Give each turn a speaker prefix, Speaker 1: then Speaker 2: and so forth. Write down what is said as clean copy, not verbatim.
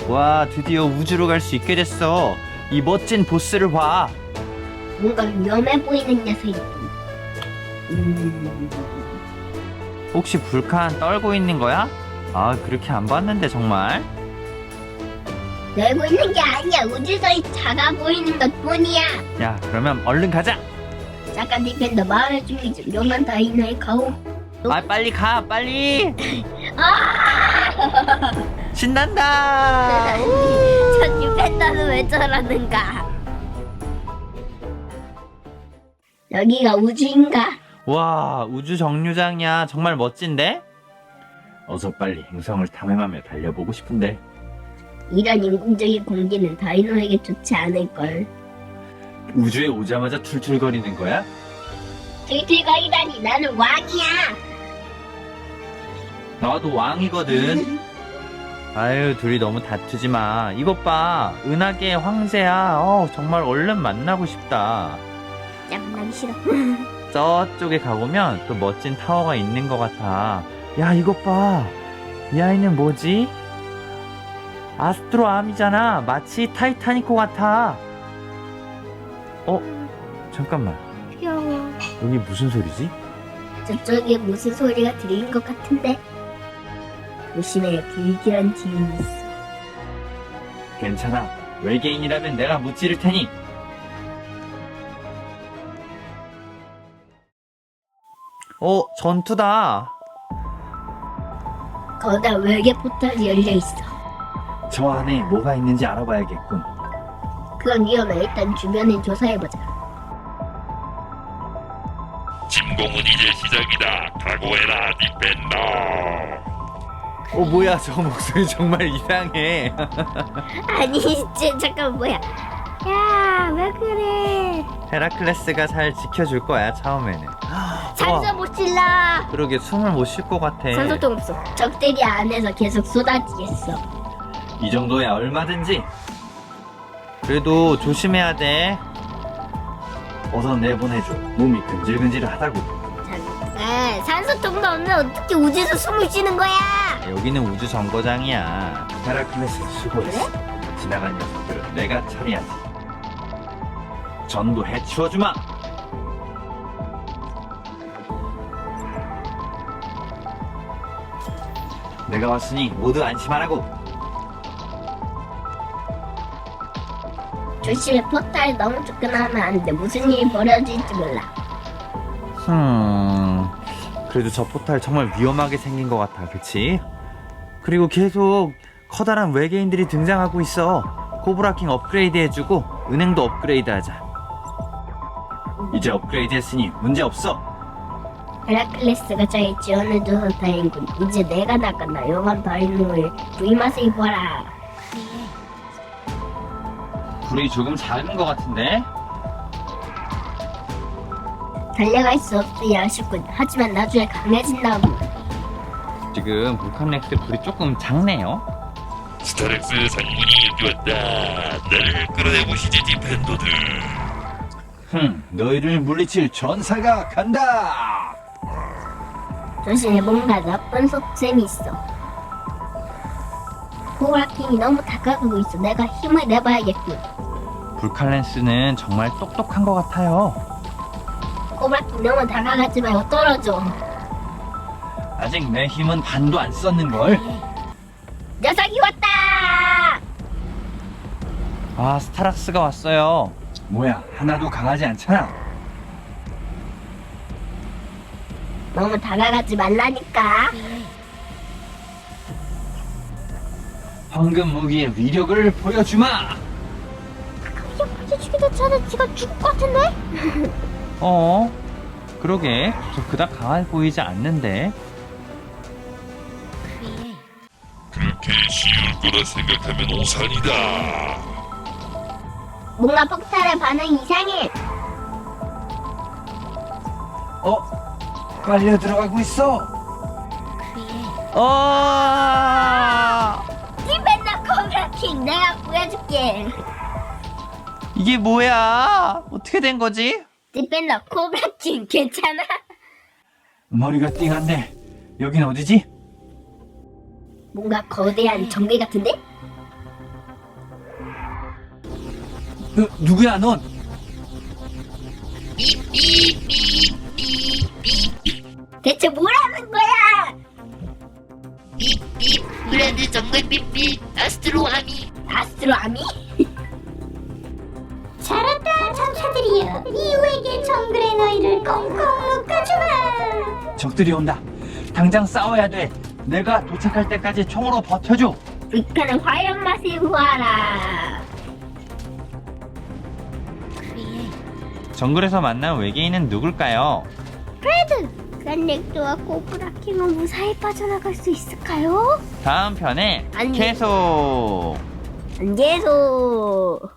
Speaker 1: 와, 드디어 우주로 갈 수 있게 됐어. 이 멋진 보스를 봐.
Speaker 2: 뭔가 위험해 보이는 녀석이.
Speaker 1: 혹시 불칸 떨고 있는 거야? 아, 그렇게 안 봤는데 정말.
Speaker 2: 내고 있는 게 아니야. 우주선이 작아 보이는 것 뿐이야.
Speaker 1: 야, 그러면 얼른 가자.
Speaker 2: 잠깐 디펜더 마을 중이 좀 요만 다이너에 가오.
Speaker 1: 아, 빨리 가, 빨리.
Speaker 2: 아!
Speaker 1: 신난다.
Speaker 2: 저 디펜더는 왜 저러는가? 여기가 우주인가?
Speaker 1: 와, 우주 정류장이야. 정말 멋진데? 어서 빨리 행성을 탐험하며 달려보고 싶은데.
Speaker 2: 이런 인공적인 공기는 다이노에게 좋지 않을걸.
Speaker 1: 우주에 오자마자 툴툴거리는 거야?
Speaker 2: 들들거리다니 나는 왕이야.
Speaker 1: 나도 왕이거든. 아유, 둘이 너무 다투지 마. 이것 봐, 은하계의 황제야. 정말 얼른 만나고 싶다.
Speaker 2: 짱나기 싫어.
Speaker 1: 저쪽에 가보면 또 멋진 타워가 있는 것 같아. 야, 이것 봐. 이 아이는 뭐지? 아스트로암이잖아. 마치 타이타니코 같아. 잠깐만.
Speaker 2: 귀여워.
Speaker 1: 여기 무슨 소리지?
Speaker 2: 저쪽에 무슨 소리가 들리는 것 같은데. 조심해, 불길한 지인이 있어.
Speaker 1: 괜찮아. 외계인이라면 내가 무찌를 테니. 전투다.
Speaker 2: 거기다 외계 포탈이 열려 있어.
Speaker 1: 저 안에 뭐가 있는지 알아봐야겠군.
Speaker 2: 그건 위험해. 일단 주변을 조사해보자.
Speaker 3: 침공은 이제 시작이다. 각오해라, 디펜더.
Speaker 1: 뭐야, 저 목소리 정말 이상해.
Speaker 2: 아니, 잠깐 뭐야? 야, 왜 그래?
Speaker 1: 헤라클레스가 잘 지켜줄 거야, 처음에는.
Speaker 2: 산소 못 찔러.
Speaker 1: 그러게, 숨을 못 쉴 것 같아.
Speaker 2: 산소통 없어. 적들이 안에서 계속 쏟아지겠어.
Speaker 1: 이 정도야 얼마든지. 그래도 조심해야 돼. 어서 내보내줘. 몸이 근질근질하다고.
Speaker 2: 잠깐, 산소통도 없는 어떻게 우주에서 숨을 쉬는 거야?
Speaker 1: 여기는 우주 정거장이야. 헤라클레스 수고했어. 지나간 녀석들은 내가 처리하지. 전부 해치워주마. 내가 왔으니 모두 안심하라고.
Speaker 2: 조심해, 포탈 너무 접근하면 안 돼. 무슨 일이 벌어질지 몰라.
Speaker 1: 그래도 저 포탈 정말 위험하게 생긴 것 같아, 그치? 그리고 계속 커다란 외계인들이 등장하고 있어. 코브라킹 업그레이드 해주고 은행도 업그레이드 하자. 이제 업그레이드 했으니 문제 없어.
Speaker 2: 헤라클레스가 잘 지원해줘서 다행이군. 이제 내가 나간다. 요만 다이노를 부임하세 입어라.
Speaker 1: 불이 조금 작은 것 같은데?
Speaker 2: 달려갈 수 없으니 아쉽군. 하지만 나중에 강해진다고.
Speaker 1: 지금 볼칸렉스 불이 조금 작네요.
Speaker 3: 스타렉스 상군이 여기 왔다. 나를 끌어내보시지, 디펜더들.
Speaker 1: 너희를 물리칠 전사가 간다.
Speaker 2: 조심해, 뭔가 나쁜 속셈이 있어. 코브라킹이 너무 다가가고 있어. 내가 힘을 내봐야겠군.
Speaker 1: 불칼렌스는 정말 똑똑한 것 같아요.
Speaker 2: 코브라킹 너무 다가가지 말고 떨어져.
Speaker 1: 아직 내 힘은 반도 안 썼는걸.
Speaker 2: 녀석이 왔다!
Speaker 1: 아, 스타락스가 왔어요. 뭐야, 하나도 강하지 않잖아.
Speaker 2: 너무 다가가지 말라니까.
Speaker 1: 황금 무기의 위력을 보여주마.
Speaker 2: 이게 보여주기도 전에 지가 죽을 것 같은데?
Speaker 1: 그러게, 저 그닥 강해 보이지 않는데.
Speaker 3: 그렇게 쉬울 거라 생각하면 오산이다.
Speaker 2: 뭔가 폭탄의 반응이 이상해.
Speaker 1: 빨려 들어가고 있어.
Speaker 2: 디펜더 코브라킹 내가 보여줄게.
Speaker 1: 이게 뭐야? 어떻게 된 거지?
Speaker 2: 디펜더 코브라킹 괜찮아?
Speaker 1: 머리가 띵한데 여긴 어디지?
Speaker 2: 뭔가 거대한 전개 같은데?
Speaker 1: 누구야 넌?
Speaker 2: 대체 뭐라는 거야?
Speaker 4: 브랜드 정글 삐삐 아스트로아미.
Speaker 2: 아스트로아미?
Speaker 5: 잘했다 전사들이여. 이후에게 정글의 너희를 꽁꽁 묶어주마.
Speaker 1: 적들이 온다. 당장 싸워야 돼. 내가 도착할 때까지 총으로 버텨줘.
Speaker 2: 불타는 화염 맛을 보아라.
Speaker 1: 정글에서 만난 외계인은 누굴까요?
Speaker 2: 그란렉도와 코브라킹은 무사히 빠져나갈 수 있을까요?
Speaker 1: 다음 편에
Speaker 2: 아니.
Speaker 1: 계속.
Speaker 2: 안 계속.